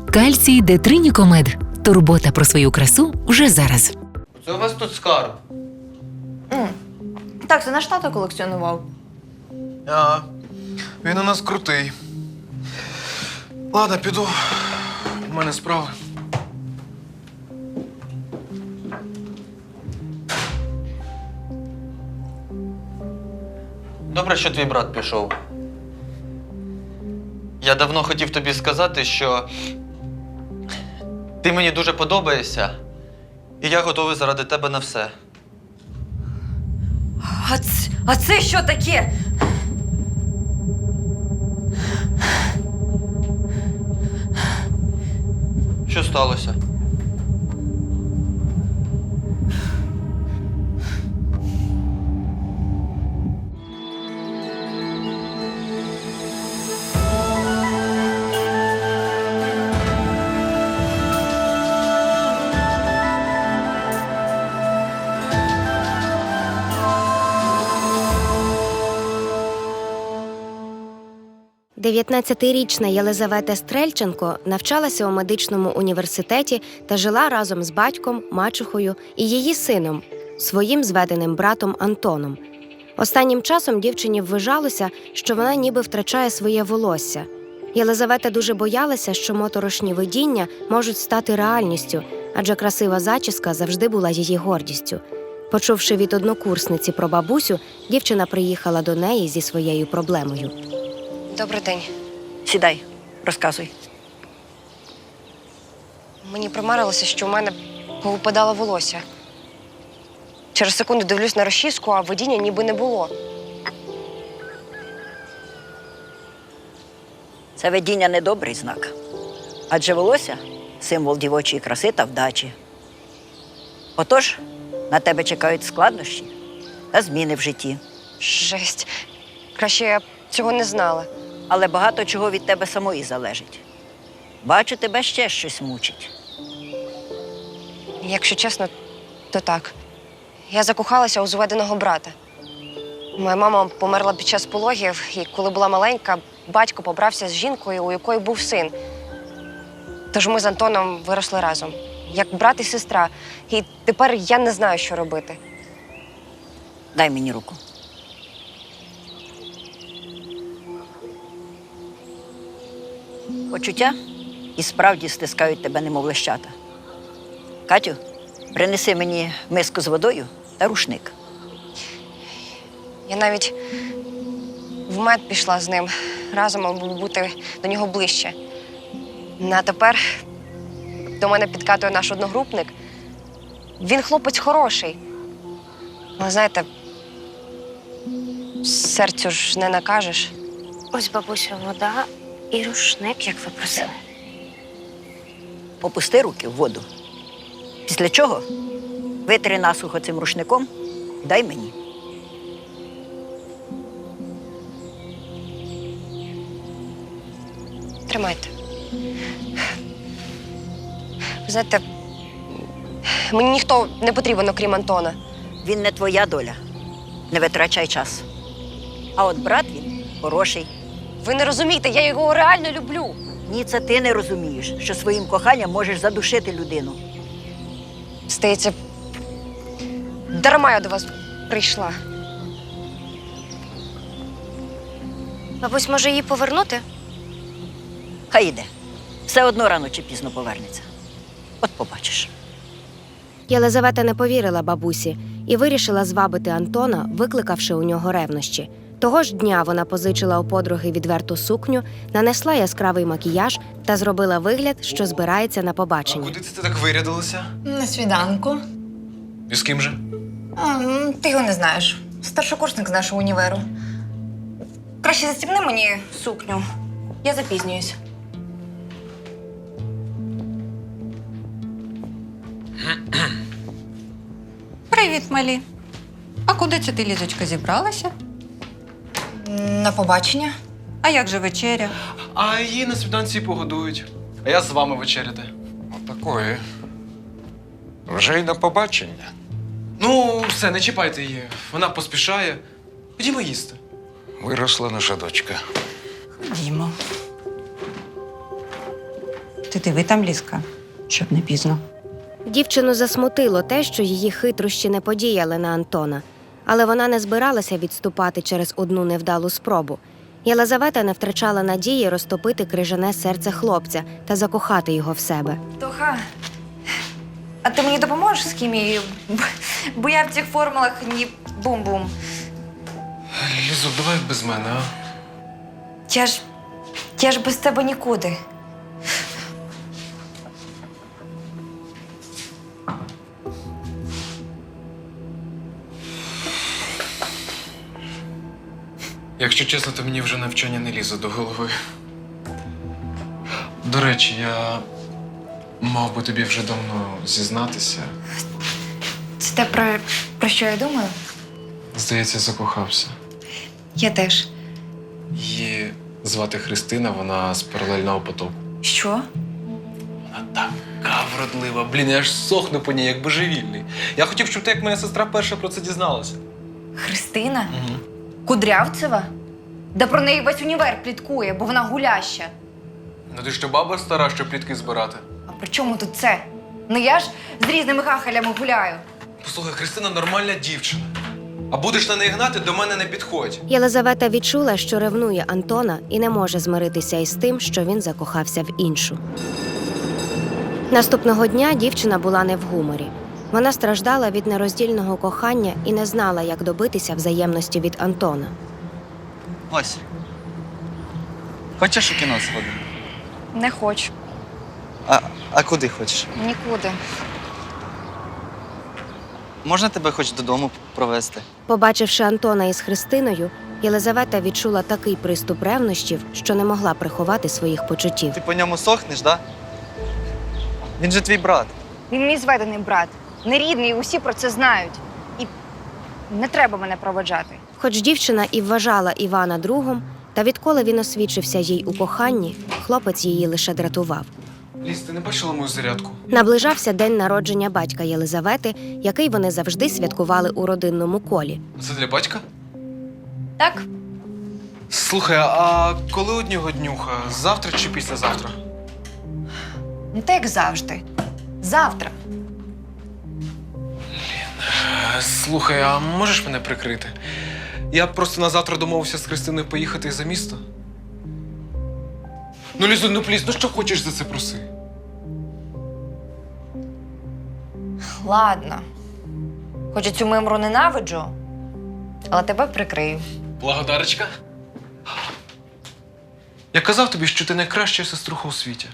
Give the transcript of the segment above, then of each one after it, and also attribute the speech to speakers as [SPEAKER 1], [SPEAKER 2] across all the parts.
[SPEAKER 1] Кальцій Детринікомед. Турбота про свою красу вже зараз.
[SPEAKER 2] Це у вас тут скарб?
[SPEAKER 3] Так, це наш тато колекціонував.
[SPEAKER 4] Ага. Він у нас крутий. Ладно, піду. У мене справи.
[SPEAKER 2] Добре, що твій брат пішов. Я давно хотів тобі сказати, що ти мені дуже подобаєшся, і я готовий заради тебе на все.
[SPEAKER 3] А це що таке?
[SPEAKER 2] Що сталося?
[SPEAKER 5] Дев'ятнадцятирічна Єлизавета Стрельченко навчалася у медичному університеті та жила разом з батьком, мачухою і її сином, своїм зведеним братом Антоном. Останнім часом дівчині ввижалося, що вона ніби втрачає своє волосся. Єлизавета дуже боялася, що моторошні видіння можуть стати реальністю, адже красива зачіска завжди була її гордістю. Почувши від однокурсниці про бабусю, дівчина приїхала до неї зі своєю проблемою.
[SPEAKER 6] Добрий день.
[SPEAKER 7] Сідай, розказуй.
[SPEAKER 6] Мені примарилося, що у мене повипадало волосся. Через секунду дивлюсь на розчіску, а видіння ніби не було.
[SPEAKER 7] Це видіння недобрий знак. Адже волосся – символ дівочої краси та вдачі. Отож, на тебе чекають складнощі та зміни в житті.
[SPEAKER 6] Жесть. Краще я цього не знала.
[SPEAKER 7] Але багато чого від тебе самої залежить. Бачу, тебе ще щось мучить.
[SPEAKER 6] Якщо чесно, то так. Я закохалася у зведеного брата. Моя мама померла під час пологів, і коли була маленька, батько побрався з жінкою, у якої був син. Тож ми з Антоном виросли разом, як брат і сестра. І тепер я не знаю, що робити.
[SPEAKER 7] Дай мені руку. Почуття і справді стискають тебе, немов лещата. Катю, принеси мені миску з водою та рушник.
[SPEAKER 6] Я навіть в мед пішла з ним, разом, аби бути до нього ближче. А тепер до мене підкатує наш одногрупник. Він хлопець хороший. Але знаєте, серцю ж не накажеш.
[SPEAKER 5] Ось, бабуся, вода і рушник, як ви просили.
[SPEAKER 7] Опусти руки в воду. Після чого витри насухо цим рушником і дай мені.
[SPEAKER 6] Тримайте. Ви знаєте, мені ніхто не потрібен, окрім Антона.
[SPEAKER 7] Він не твоя доля. Не витрачай час. А от брат він хороший.
[SPEAKER 6] Ви не розумієте, я його реально люблю.
[SPEAKER 7] Ні, це ти не розумієш, що своїм коханням можеш задушити людину.
[SPEAKER 6] Здається, дарма я до вас прийшла.
[SPEAKER 5] Бабусь, може її повернути?
[SPEAKER 7] Хай іде. Все одно рано чи пізно повернеться. От побачиш.
[SPEAKER 5] Єлизавета не повірила бабусі і вирішила звабити Антона, викликавши у нього ревнощі. Того ж дня вона позичила у подруги відверту сукню, нанесла яскравий макіяж та зробила вигляд, що збирається на
[SPEAKER 4] А
[SPEAKER 5] побачення.
[SPEAKER 4] куди це ти так вирядилася?
[SPEAKER 3] На свіданку.
[SPEAKER 4] І з ким же?
[SPEAKER 3] Ти його не знаєш. Старшокурсник з нашого універу. Краще застібни мені сукню. Я запізнююсь.
[SPEAKER 8] Привіт, малі. А куди це ти, Лізочка, зібралася?
[SPEAKER 3] На побачення.
[SPEAKER 8] А як же вечеря?
[SPEAKER 4] А її на свіданці погодують. А я з вами вечеряти.
[SPEAKER 9] Отакої. Вже й на побачення.
[SPEAKER 4] Ну, все, не чіпайте її. Вона поспішає. Ходімо їсти.
[SPEAKER 9] Виросла наша дочка.
[SPEAKER 8] Ходімо. Ти диви там, Лізка, щоб не пізно.
[SPEAKER 5] Дівчину засмутило те, що її хитрощі не подіяли на Антона, але вона не збиралася відступати через одну невдалу спробу. Єлизавета не втрачала надії розтопити крижане серце хлопця та закохати його в себе.
[SPEAKER 3] Тоха, а ти мені допоможеш з хімією? Бо я в цих формулах ні бум-бум.
[SPEAKER 4] Лізо, давай без мене, а?
[SPEAKER 3] Я ж без тебе нікуди.
[SPEAKER 4] Якщо чесно, то мені вже навчання не лізе до голови. До речі, я мав би тобі вже давно зізнатися.
[SPEAKER 3] Це те, про що я думаю?
[SPEAKER 4] Здається, закохався.
[SPEAKER 3] Я теж.
[SPEAKER 4] Її звати Христина, вона з паралельного потоку.
[SPEAKER 3] Що?
[SPEAKER 4] Вона така вродлива. Блін, я аж сохну по ній, як божевільний. Я хотів, щоб ти, як моя сестра, перша про це дізналася.
[SPEAKER 3] Христина? Кудрявцева? Да про неї весь універ пліткує, бо вона гуляща.
[SPEAKER 4] Ну ти що, баба стара, щоб плітки збирати?
[SPEAKER 3] А при чому тут це? Ну я ж з різними хахалями гуляю.
[SPEAKER 4] Послухай, Христина нормальна дівчина. А будеш на неї гнати, до мене не підходь.
[SPEAKER 5] Єлизавета відчула, що ревнує Антона і не може змиритися із тим, що він закохався в іншу. Наступного дня дівчина була не в гуморі. Вона страждала від нероздільного кохання і не знала, як добитися взаємності від Антона.
[SPEAKER 2] Ось. Хочеш у кіно сходити?
[SPEAKER 3] Не хочу.
[SPEAKER 2] А куди хочеш?
[SPEAKER 3] Нікуди.
[SPEAKER 2] Можна тебе хоч додому провести?
[SPEAKER 5] Побачивши Антона із Христиною, Єлизавета відчула такий приступ ревнощів, що не могла приховати своїх почуттів.
[SPEAKER 2] Ти по ньому сохнеш, да? Він же твій брат.
[SPEAKER 3] Він мій зведений брат. Нерідний, усі про це знають. І не треба мене проводжати.
[SPEAKER 5] Хоч дівчина і вважала Івана другом, та відколи він освідчився їй у коханні, хлопець її лише дратував.
[SPEAKER 4] Ліз, ти не бачила мою зарядку?
[SPEAKER 5] Наближався день народження батька Єлизавети, який вони завжди святкували у родинному колі.
[SPEAKER 4] Це для батька?
[SPEAKER 3] Так?
[SPEAKER 4] Слухай, а коли у нього днюха? Завтра чи післязавтра?
[SPEAKER 3] Ну так як завжди. Завтра.
[SPEAKER 4] Слухай, а можеш мене прикрити? Я просто на завтра домовився з Христиною поїхати за місто. Ну, Лізо, ну пліз, ну що хочеш за це проси?
[SPEAKER 3] Ладно. Хоч я цю мимру ненавиджу, але тебе прикрию.
[SPEAKER 4] Благодарочка. Я казав тобі, що ти найкраща сеструха у світі.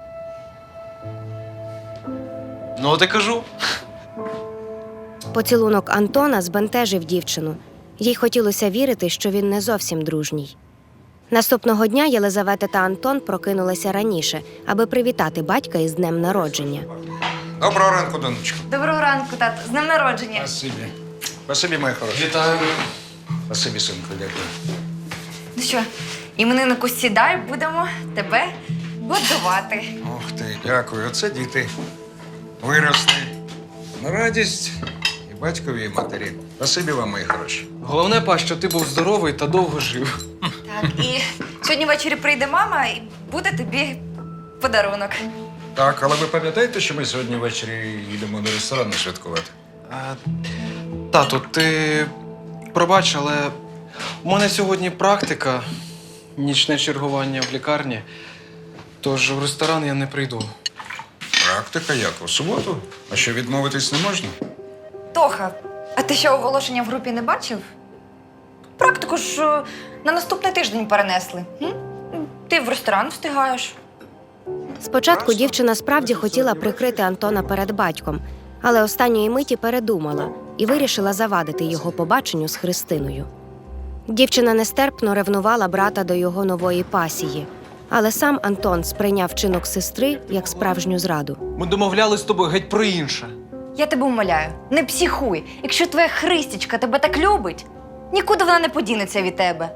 [SPEAKER 4] Ну, от і кажу.
[SPEAKER 5] Поцілунок Антона збентежив дівчину. Їй хотілося вірити, що він не зовсім дружній. Наступного дня Єлизавета та Антон прокинулися раніше, аби привітати батька із днем народження.
[SPEAKER 9] Доброго ранку, донечко.
[SPEAKER 3] Доброго ранку, тато. З днем народження.
[SPEAKER 9] Спасибі. Спасибі, моя хороша.
[SPEAKER 4] Вітаю.
[SPEAKER 9] Спасибі, синку, дякую.
[SPEAKER 3] Ну що, імениннику сідай, будемо тебе годувати.
[SPEAKER 9] Ох ти, дякую. Оце діти. Виросли. На радість і батькові, і матері. Спасибі вам, мої хороші.
[SPEAKER 4] Головне, па, що ти був здоровий та довго жив.
[SPEAKER 3] Так, і сьогодні ввечері прийде мама і буде тобі подарунок.
[SPEAKER 9] Так, але ви пам'ятаєте, що ми сьогодні ввечері їдемо до ресторану святкувати?
[SPEAKER 4] Тату, ти пробач, але у мене сьогодні практика, нічне чергування в лікарні, тож в ресторан я не прийду.
[SPEAKER 9] Практика як? У суботу? А що, відмовитись не можна?
[SPEAKER 3] Тоха, а ти ще оголошення в групі не бачив? Практику ж на наступний тиждень перенесли. М? Ти в ресторан встигаєш.
[SPEAKER 5] Спочатку дівчина справді хотіла прикрити Антона перед батьком, але останньої миті передумала і вирішила завадити його побаченню з Христиною. Дівчина нестерпно ревнувала брата до його нової пасії, але сам Антон сприйняв вчинок сестри як справжню зраду.
[SPEAKER 4] Ми домовлялись з тобою геть про інше.
[SPEAKER 3] Я тебе умоляю, не психуй. Якщо твоя Христічка тебе так любить, нікуди вона не подінеться від тебе.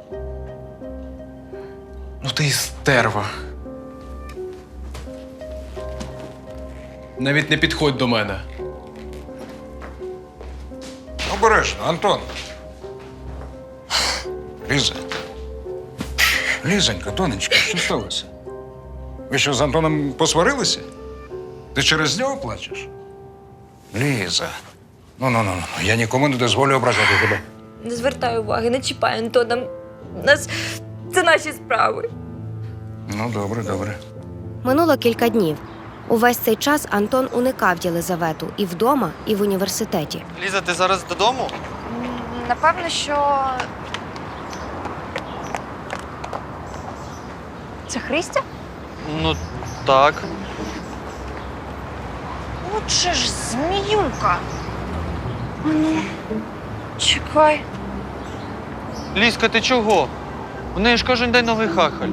[SPEAKER 4] Ну ти і стерва. Навіть не підходь до мене.
[SPEAKER 9] Обережно, Антон. Ліза. Лізонька, донечка, що сталося? Ви що, з Антоном посварилися? Ти через нього плачеш? Ліза. Ну, я нікому не дозволю ображати тебе.
[SPEAKER 6] Не звертай уваги, не чіпай Антона. Це наші справи.
[SPEAKER 9] Ну, добре.
[SPEAKER 5] Минуло кілька днів. Увесь цей час Антон уникав Єлизавету і вдома, і в університеті.
[SPEAKER 2] Ліза, ти зараз додому?
[SPEAKER 3] Напевно, що. Це Христя?
[SPEAKER 2] Ну, так.
[SPEAKER 3] Отже ж, зміюка. Ну, чекай.
[SPEAKER 2] Лізка, ти чого? У неї ж кожен день новий хахаль.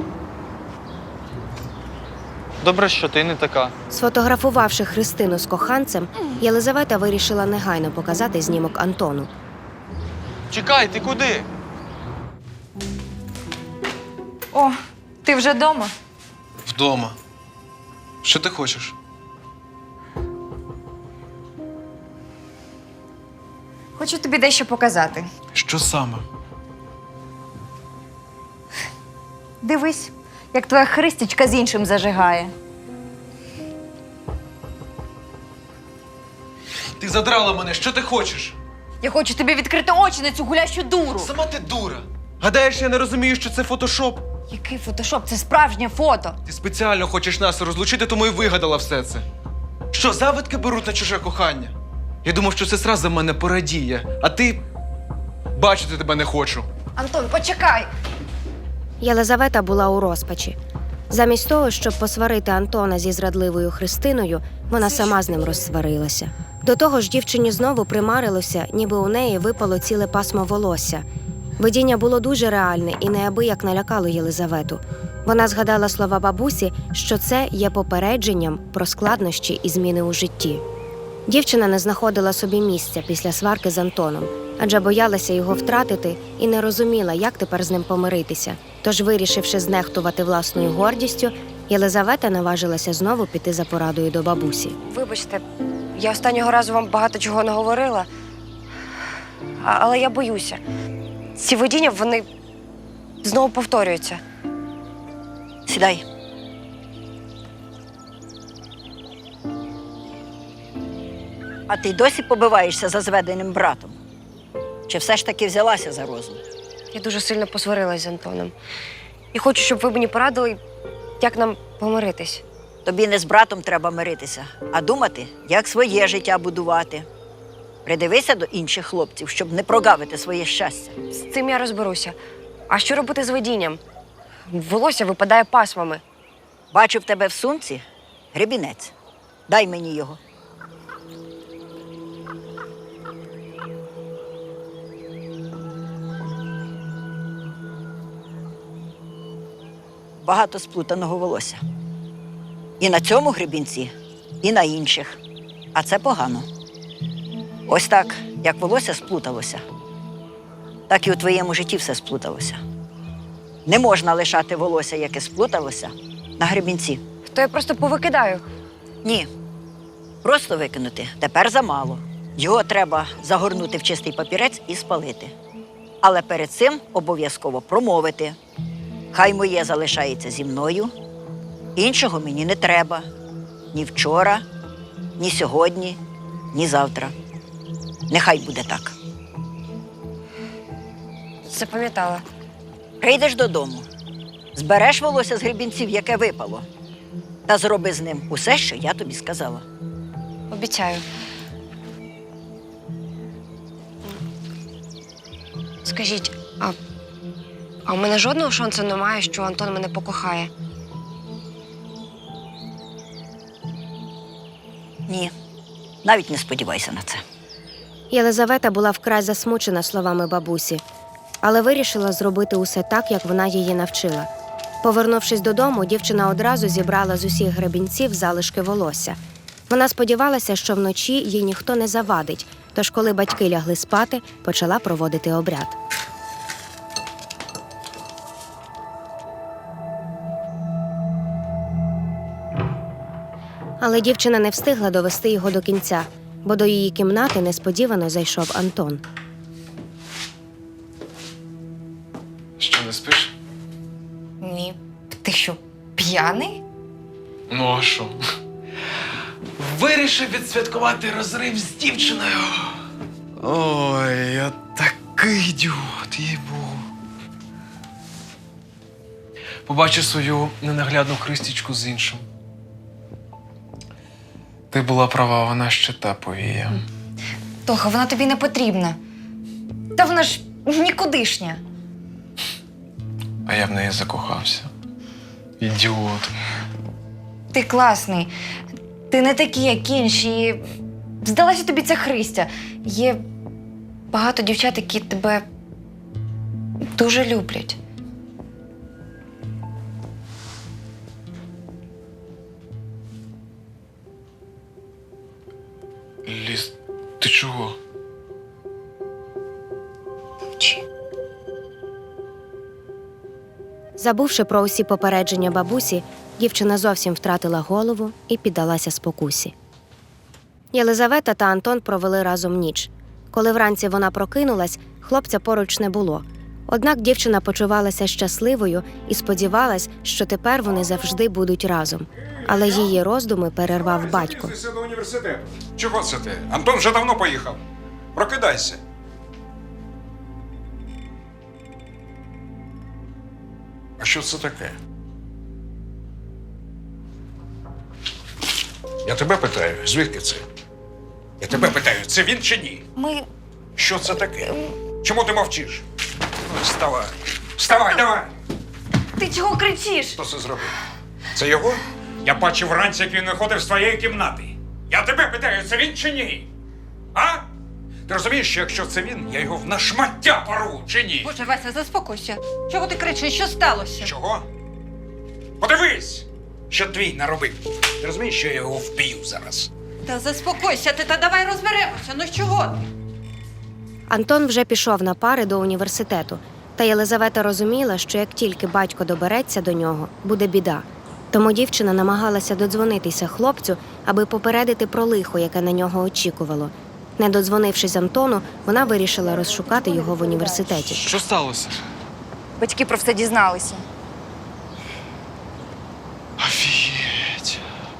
[SPEAKER 2] Добре, що ти не така.
[SPEAKER 5] Сфотографувавши Христину з коханцем, Єлизавета вирішила негайно показати знімок Антону.
[SPEAKER 2] Чекай, ти куди?
[SPEAKER 3] О, ти вже вдома?
[SPEAKER 4] Вдома. Що ти хочеш?
[SPEAKER 3] Хочу тобі дещо показати.
[SPEAKER 4] Що саме?
[SPEAKER 3] Дивись, як твоя Христічка з іншим зажигає.
[SPEAKER 4] Ти задрала мене, що ти хочеш?
[SPEAKER 3] Я хочу тобі відкрити очі на цю гулящу дуру.
[SPEAKER 4] Сама ти дура. Гадаєш, я не розумію, що це фотошоп?
[SPEAKER 3] Який фотошоп? Це справжнє фото.
[SPEAKER 4] Ти спеціально хочеш нас розлучити, тому і вигадала все це. Що, завидки беруть на чуже кохання? Я думав, що сестра за мене порадіє, а ти бачити тебе не хочу.
[SPEAKER 3] Антон, почекай.
[SPEAKER 5] Єлизавета була у розпачі. Замість того, щоб посварити Антона зі зрадливою Христиною, вона сама з ним розсварилася. До того ж, дівчині знову примарилося, ніби у неї випало ціле пасмо волосся. Видіння було дуже реальне і неабияк налякало Єлизавету. Вона згадала слова бабусі, що це є попередженням про складнощі і зміни у житті. Дівчина не знаходила собі місця після сварки з Антоном, адже боялася його втратити і не розуміла, як тепер з ним помиритися. Тож, вирішивши знехтувати власною гордістю, Єлизавета наважилася знову піти за порадою до бабусі.
[SPEAKER 6] Вибачте, я останнього разу вам багато чого не говорила, але я боюся. Ці видіння, вони знову повторюються.
[SPEAKER 7] Сідай. А ти й досі побиваєшся за зведеним братом? Чи все ж таки взялася за розум?
[SPEAKER 6] Я дуже сильно посварилась з Антоном. І хочу, щоб ви мені порадили, як нам помиритись.
[SPEAKER 7] Тобі не з братом треба миритися, а думати, як своє життя будувати. Придивися до інших хлопців, щоб не прогавити своє щастя.
[SPEAKER 6] З цим я розберуся. А що робити з видінням? Волосся випадає пасмами.
[SPEAKER 7] Бачу в тебе в сумці гребінець. Дай мені його. Багато сплутаного волосся. І на цьому гребінці, і на інших. А це погано. Ось так, як волосся сплуталося, так і у твоєму житті все сплуталося. Не можна лишати волосся, яке сплуталося, на гребінці.
[SPEAKER 6] То я просто повикидаю.
[SPEAKER 7] Ні. Просто викинути тепер замало. Його треба загорнути в чистий папірець і спалити. Але перед цим обов'язково промовити. Хай моє залишається зі мною, іншого мені не треба. Ні вчора, ні сьогодні, ні завтра. Нехай буде так.
[SPEAKER 6] Запам'ятала.
[SPEAKER 7] Прийдеш додому, збереш волосся з гребінців, яке випало, та зроби з ним усе, що я тобі сказала.
[SPEAKER 6] Обіцяю. Скажіть, а у мене жодного шансу немає, що Антон мене покохає?
[SPEAKER 7] Ні, навіть не сподівайся на це.
[SPEAKER 5] Єлизавета була вкрай засмучена словами бабусі, але вирішила зробити усе так, як вона її навчила. Повернувшись додому, дівчина одразу зібрала з усіх гребінців залишки волосся. Вона сподівалася, що вночі їй ніхто не завадить, тож коли батьки лягли спати, почала проводити обряд. Але дівчина не встигла довести його до кінця, бо до її кімнати несподівано зайшов Антон.
[SPEAKER 4] Що, не спиш?
[SPEAKER 3] Ні. Ти що, п'яний?
[SPEAKER 4] Ну а що? Вирішив відсвяткувати розрив з дівчиною. Ой, я такий ідіот, їй-богу. Побачив свою ненаглядну Христічку з іншим. Ти була права, вона ще та повія.
[SPEAKER 3] Тоха, вона тобі не потрібна. Та вона ж нікудишня.
[SPEAKER 4] А я в неї закохався. Ідіот.
[SPEAKER 3] Ти класний. Ти не такий, як інші. Здалася тобі ця Христя. Є багато дівчат, які тебе дуже люблять.
[SPEAKER 4] Ліз, ти чого?
[SPEAKER 3] Чи?
[SPEAKER 5] Забувши про усі попередження бабусі, дівчина зовсім втратила голову і піддалася спокусі. Єлизавета та Антон провели разом ніч. Коли вранці вона прокинулась, хлопця поруч не було. Однак дівчина почувалася щасливою і сподівалась, що тепер вони завжди будуть разом. Але її роздуми перервав батько.
[SPEAKER 9] Ти до університету. Чого це ти? Антон вже давно поїхав. Прокидайся. А що це таке? Я тебе питаю, звідки це? Я тебе питаю, це він чи ні?
[SPEAKER 3] Ми.
[SPEAKER 9] Що це таке? Чому ти мовчиш? Ну, вставай. Вставай, давай!
[SPEAKER 3] Ти чого кричиш?
[SPEAKER 9] Хто це зробив? Це його? Я бачив вранці, як він виходив з твоєї кімнати. Я тебе питаю, це він чи ні? А? Ти розумієш, що якщо це він, я його в нашмаття порву, чи ні?
[SPEAKER 8] Боже, Вася, заспокойся. Чого ти кричиш? Що сталося?
[SPEAKER 9] Чого? Подивись, що твій наробив. Ти розумієш, що я його вб'ю зараз?
[SPEAKER 8] Та заспокойся ти, та давай розберемося. Ну чого ти?
[SPEAKER 5] Антон вже пішов на пари до університету, та Єлизавета розуміла, що як тільки батько добереться до нього, буде біда. Тому дівчина намагалася додзвонитися хлопцю, аби попередити про лихо, яке на нього очікувало. Не додзвонившись Антону, вона вирішила розшукати його в університеті.
[SPEAKER 4] Що сталося?
[SPEAKER 3] Батьки про все дізналися.
[SPEAKER 4] Офігеть.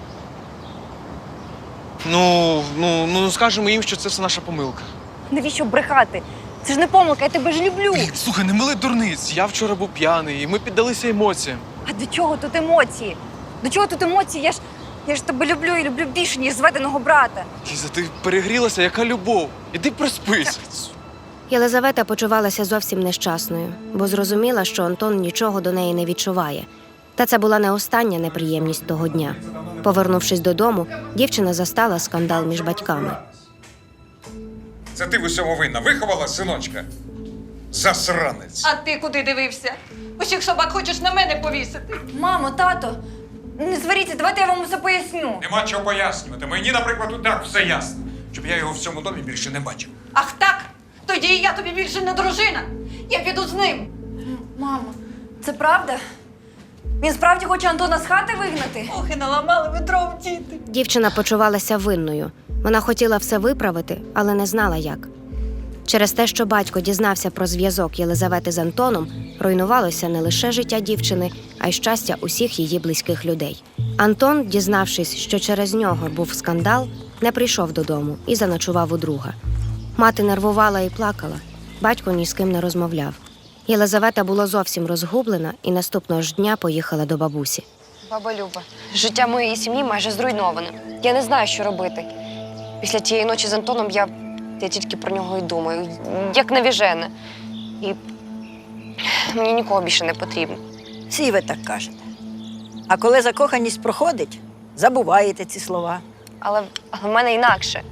[SPEAKER 4] Ну, скажемо їм, що це все наша помилка.
[SPEAKER 3] Навіщо брехати? Це ж не помилка, я тебе ж люблю.
[SPEAKER 4] Слухай, не мили дурниць. Я вчора був п'яний, і ми піддалися емоціям.
[SPEAKER 3] А до чого тут емоції? До чого тут емоції? Я ж тебе люблю і люблю більше, ніж зведеного брата.
[SPEAKER 4] Ліза, ти перегрілася, яка любов. Іди проспись.
[SPEAKER 5] Єлизавета почувалася зовсім нещасною, бо зрозуміла, що Антон нічого до неї не відчуває. Та це була не остання неприємність того дня. Повернувшись додому, дівчина застала скандал між батьками.
[SPEAKER 9] Це ти в усьому винна. Виховала синочка? Засранець.
[SPEAKER 8] А ти куди дивився? Усіх собак хочеш на мене повісити.
[SPEAKER 3] Мамо, тато, не сваріться, давайте я вам усе поясню.
[SPEAKER 9] Нема чого пояснювати. Мені, наприклад, і так все ясно. Щоб я його в цьому домі більше не бачив.
[SPEAKER 8] Ах так? Тоді і я тобі більше не дружина. Я піду з ним.
[SPEAKER 3] Мамо, це правда? Він справді хоче Антона з хати вигнати?
[SPEAKER 8] Ох, і наламали ви дров, діти.
[SPEAKER 5] Дівчина почувалася винною. Вона хотіла все виправити, але не знала як. Через те, що батько дізнався про зв'язок Єлизавети з Антоном, руйнувалося не лише життя дівчини, а й щастя усіх її близьких людей. Антон, дізнавшись, що через нього був скандал, не прийшов додому і заночував у друга. Мати нервувала і плакала, батько ні з ким не розмовляв. Єлизавета була зовсім розгублена і наступного ж дня поїхала до бабусі.
[SPEAKER 6] Баба Люба, життя моєї сім'ї майже зруйноване. Я не знаю, що робити. Після тієї ночі з Антоном я тільки про нього і думаю, як навіжене. І мені нікого більше не потрібно.
[SPEAKER 7] Всі ви так кажете. А коли закоханість проходить, забуваєте ці слова.
[SPEAKER 6] Але в мене інакше.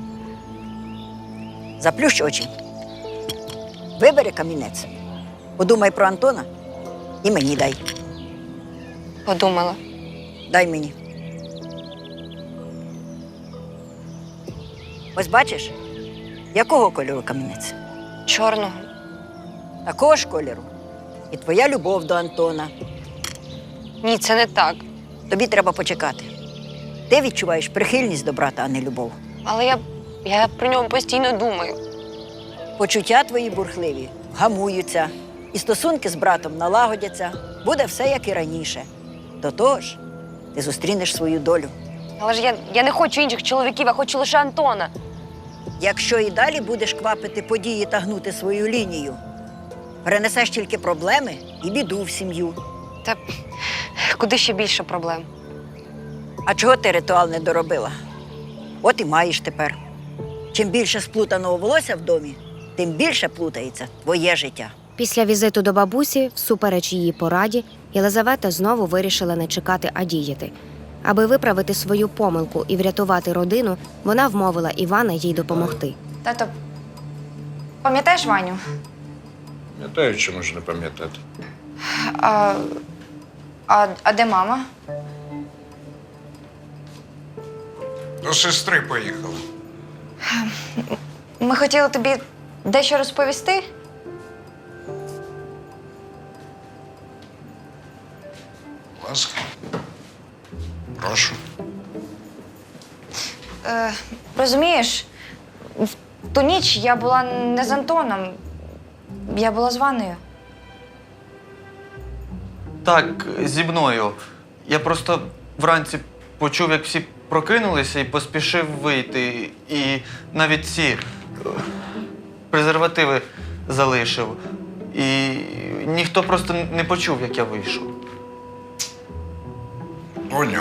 [SPEAKER 7] Заплющ очі. Вибери камінець. Подумай про Антона і мені дай.
[SPEAKER 6] Подумала.
[SPEAKER 7] Дай мені. Ось бачиш, якого кольору камінець?
[SPEAKER 6] Чорного.
[SPEAKER 7] Такого ж кольору. І твоя любов до Антона.
[SPEAKER 6] Ні, це не так.
[SPEAKER 7] Тобі треба почекати. Ти відчуваєш прихильність до брата, а не любов.
[SPEAKER 6] Але я про нього постійно думаю.
[SPEAKER 7] Почуття твої бурхливі гамуються, і стосунки з братом налагодяться. Буде все, як і раніше. До того ж, ти зустрінеш свою долю.
[SPEAKER 6] Але ж я не хочу інших чоловіків, я хочу лише Антона.
[SPEAKER 7] Якщо і далі будеш квапити події та гнути свою лінію, перенесеш тільки проблеми і біду в сім'ю.
[SPEAKER 6] Та куди ще більше проблем?
[SPEAKER 7] А чого ти ритуал не доробила? От і маєш тепер. Чим більше сплутаного волосся в домі, тим більше плутається твоє життя.
[SPEAKER 5] Після візиту до бабусі, всупереч її пораді, Єлизавета знову вирішила не чекати, а діяти. Аби виправити свою помилку і врятувати родину, вона вмовила Івана їй допомогти.
[SPEAKER 3] Тато, пам'ятаєш Ваню?
[SPEAKER 9] Пам'ятаю, чому ж не пам'ятати.
[SPEAKER 3] А де мама?
[SPEAKER 9] До сестри поїхала.
[SPEAKER 3] Ми хотіли тобі дещо розповісти.
[SPEAKER 9] Будь ласка. Прошу.
[SPEAKER 3] Розумієш, в ту ніч я була не з Антоном, я була з Ванною.
[SPEAKER 2] Так, зі мною. Я просто вранці почув, як всі прокинулися і поспішив вийти. І навіть ці презервативи залишив. І ніхто просто не почув, як я вийшов.
[SPEAKER 9] Доню.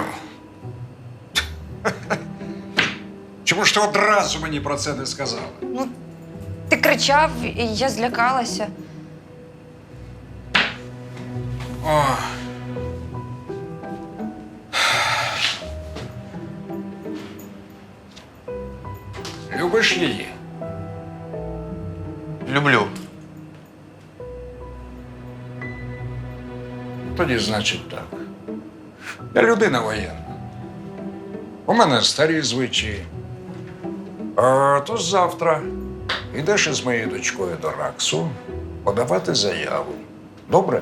[SPEAKER 9] Чому ж ти одразу мені про це не сказала?
[SPEAKER 3] Ну, ти кричав, і я злякалася.
[SPEAKER 9] О. Любиш її?
[SPEAKER 2] Люблю.
[SPEAKER 9] Тоді, значить, так. Я людина воєнна. У мене старі звичаї. Тож завтра йдеш із моєю дочкою до РАКСу подавати заяву. Добре?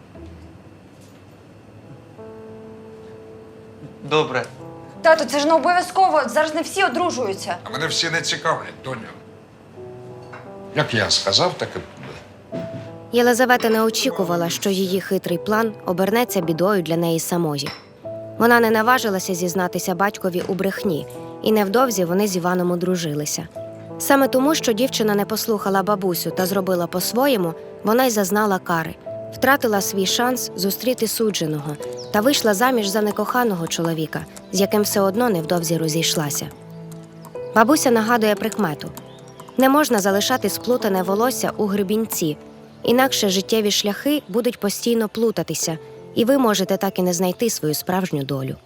[SPEAKER 2] Добре.
[SPEAKER 3] Тато, це ж не обов'язково, зараз не всі одружуються.
[SPEAKER 9] А мене всі не цікавлять, доню. Як я сказав, так і буде.
[SPEAKER 5] Єлизавета не очікувала, що її хитрий план обернеться бідою для неї самої. Вона не наважилася зізнатися батькові у брехні, і невдовзі вони з Іваном одружилися. Саме тому, що дівчина не послухала бабусю та зробила по-своєму, вона й зазнала кари, втратила свій шанс зустріти судженого та вийшла заміж за некоханого чоловіка, з яким все одно невдовзі розійшлася. Бабуся нагадує прикмету: не можна залишати сплутане волосся у гребінці, інакше життєві шляхи будуть постійно плутатися, і ви можете так і не знайти свою справжню долю.